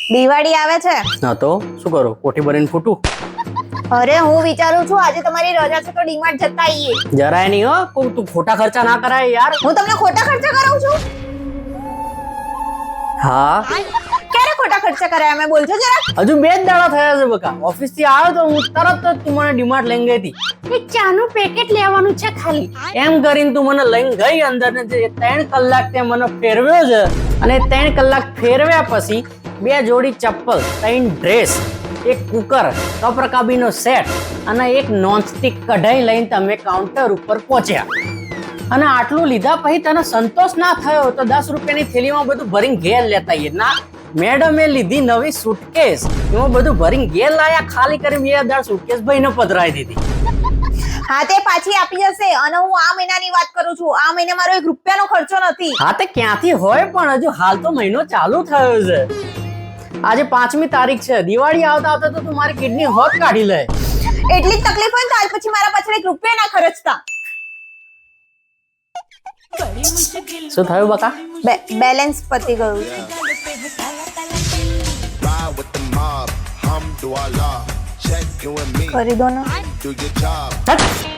દિવાળી આવે છે. હા તો શું કરો, કોઠી ભરીને ફૂટું? અરે હું વિચારું છું આજે તમારી રજા છે તો ડીમાર્ટ જતા આવીએ. જરાય નહીં હો, તું ખોટા ખર્ચા ના કરાય યાર. હું તમને ખોટા ખર્ચા કરાવું છું? હા, ક્યારે ખોટા ખર્ચા કરાયા મેં બોલજો જરા. હજુ 2 જ દાડા થયા છે બકા. ઓફિસ થી આવ્યો તો હું તરત જ તું મને ડીમાર્ટ લઈને ગઈ હતી. એક ચાનું પેકેટ લેવાનું છે ખાલી, એમ કરીને તું મને લઈને ગઈ અંદર ને 3 કલાક તે મને ફેરવ્યો છે. અને 3 કલાક ફેરવ્યા પછી 2 જોડી ચપ્પલ, 3 ડ્રેસ, એક કુકર, કપરકાબીનો સેટ અને એક નોનસ્ટિક કઢાઈ લઈને તમે કાઉન્ટર ઉપર પહોંચ્યા. અને આટલું લીધા પછી તને સંતોષ ના થયો તો 10 રૂપિયાની થેલીમાં બધું ભરીને ઘેર લેતા આવીએ. ના, મેડમે લીધી નવી સુટકેસ, એમાં બધું ભરીને ઘેર લાયા. ખાલી કરી 2 દાડ સુટકેસ ભાઈને પધરાવી દીધી. હા તે પાછી આપી જશે. અને હું આ મહિનાની વાત કરું છું. આ મહિને મારો 1 રૂપિયાનો ખર્ચો નથી. હા તે ક્યાંથી હોય, પણ હજુ હાલ તો મહિનો ચાલુ થયો છે. આજે 5મી તારીખ છે. દિવાળી આવતા આવતા તો તું મારી કિડની હોત કાઢી લે. એટલી જ તકલીફ હોય તો આજ પછી મારા પાછળ 1 રૂપિયા ના ખર્ચતા. શું થયું બકા? બેલેન્સ પતી ગયું છે. કરી દો ને. હટ.